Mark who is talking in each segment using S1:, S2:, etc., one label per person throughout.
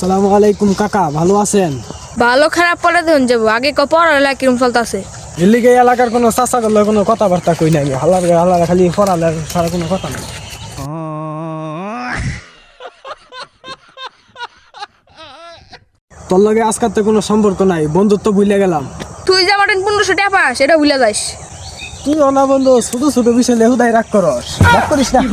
S1: আসসালামু আলাইকুম কাকা, ভালো আছেন?
S2: ভালো খারাপ পরে দেখুন যাবো আগে পড়ালেখা কিরম চলতেছে।
S1: এলিগে এলাকার কোনো চাচা করলে কোনো কথাবার্তা কই নাই, হাল্লার খালি পড়ালে সারা কোনো কথা নাই। তোর লগে আজকাল তো কোনো সম্পর্ক নাই, বন্ধুত্ব ভুলে গেলাম।
S2: তুই যে আমার 1500 টাকা পাস সেটা ভুলে যাস।
S1: তুই অনা বন্ধু ছোট ছোট বিষয় লেহুদাই রাগ করিস না।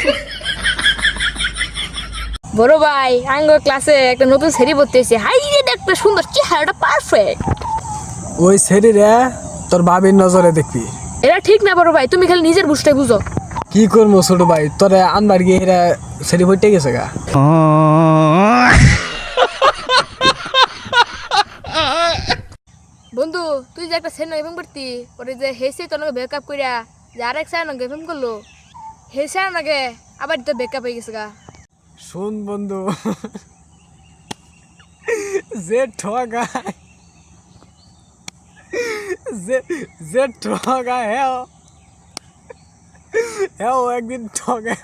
S2: বড় ভাই আঙ্গ ক্লাসে একটা নতুন সেরি পড়তে এসে হাই রে দেখতে সুন্দর চেহারাটা পারফেক্ট।
S1: ওই ছেড়ে তোর বাবির নজরে দেখবি।
S2: এটা ঠিক না বড় ভাই, তুমি খালি নিজের বুঝতে বুঝো।
S1: কি করবো ছোট ভাই, তোরে আনবার গিয়ে এরা ছেড়ে হইতে গেছে গা।
S2: বন্ধু তুই যে একটা সেন এফএম করতি পরে যে হেসে তোর নাকি ব্রেকআপ কইরা যে আরেক স্যার নাকি এফএম করলো হে স্যার নাকি আবার তো ব্রেকআপ হয়ে গেছে গা।
S1: শোন বন্ধু, যে ঠগায় যে ঠগায় হ্যাঁ একদিন ঠগায়।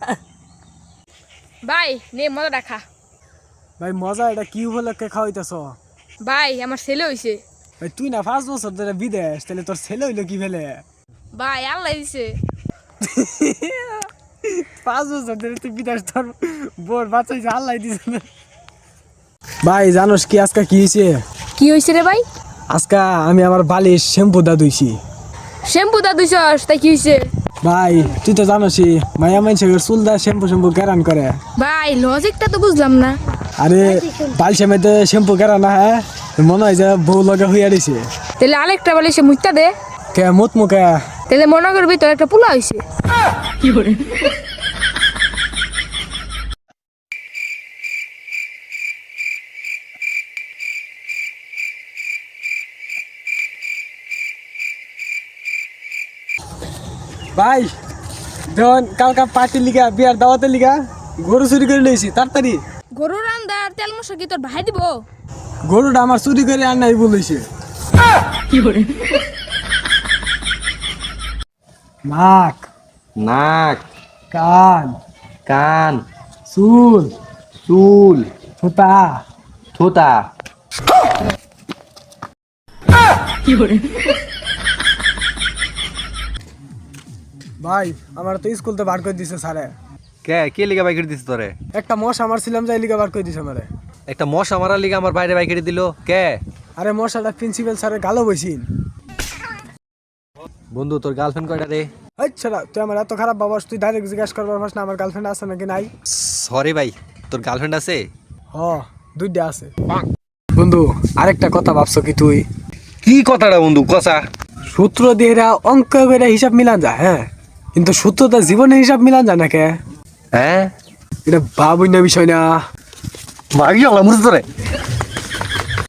S2: ভাই নে মজা দেখা।
S1: ভাই মজা এটা কি উপলক্ষে খাওয়াইতেছ?
S2: ভাই আমার ছেলে হইছে।
S1: ভাই তুই না 5 বছর ধরে বিদেশ, তাহলে তোর ছেলে হইলো কি ফেলে?
S2: ভাই আল্লাহ দিছে।
S1: 5 বছর ধরে তুই বিদেশ, তোর বোর বাচ্চাইছে আল্লাহ দিছে না। ভাই জানোস কি আজকে কি হয়েছে?
S2: কি হইছে রে ভাই?
S1: আজকে আমি আমার বালিশ শ্যাম্পু দা ধুইছি।
S2: শ্যাম্পু দা দুইছস তাই কি হইছে?
S1: ভাই তুই তো জানোসই মায়া মানুষের চুল দা শ্যাম্পু কেরান করে।
S2: ভাই লজিকটা তো বুঝলাম না।
S1: আরে বালিশের মধ্যে শ্যাম্পু কেরা না, হ্যাঁ মনে হয় যে বউ লগে হইয়া দিছে।
S2: তাহলে আরেকটা বলে সে মুইতা দে।
S1: কে মুত মুখে
S2: তাহলে মনে করবি তোর একটা পোলা হইছে। কি করে?
S1: ভাই ধন কালকা পার্টির লিগা বিয়ার দাওয়াতের লিগা গরু চুরি করে লইছি তাড়াতাড়ি।
S2: গরুর রান্দার তেল মশলা কি তোর ভাই দিব?
S1: গরুটা আমার চুরি করে আর নাই বলেছে।
S2: কি করে?
S1: নাক
S3: নাক,
S1: কান
S3: কান,
S1: চুল
S3: চুল,
S1: থুতা।
S3: থুতা।
S2: কি করে?
S1: ভাই আমার তো স্কুল তো বার করে দিছে স্যারে।
S3: কে লিগা বাইকের দিছে তোরে?
S1: একটা মশা মারছিলাম যাই লিগা বার করে দিছে আমারে।
S3: একটা মশা মারার লিগা আমার বাইরে বাইকের দিল কে?
S1: আরে মশাটা প্রিন্সিপাল স্যারের গালো বইছিন।
S3: বন্ধু তোর গার্লফ্রেন্ড কয়টা রে?
S1: আচ্ছা তুই আমার এত খারাপ বাবাস, তুই ডাইরেক্ট জিজ্ঞাসা করবার পারস না আমার গার্লফ্রেন্ড আছে নাকি নাই?
S3: সরি ভাই, তোর গার্লফ্রেন্ড আছে?
S1: হ দুইটা আছে। বন্ধু আরেকটা কথা ভাবছো কি তুই?
S3: কি কথাটা বন্ধু কসা?
S1: সূত্র দিয়ে এরা অঙ্ক করে হিসাব মিলান যায়, হ্যাঁ কিন্তু সূত্রটা জীবনের হিসাব মিলান যায় না কে?
S3: হ্যাঁ
S1: এটা ভাবুই না বিষয় না।
S3: মাগি আলা মুরতে রে।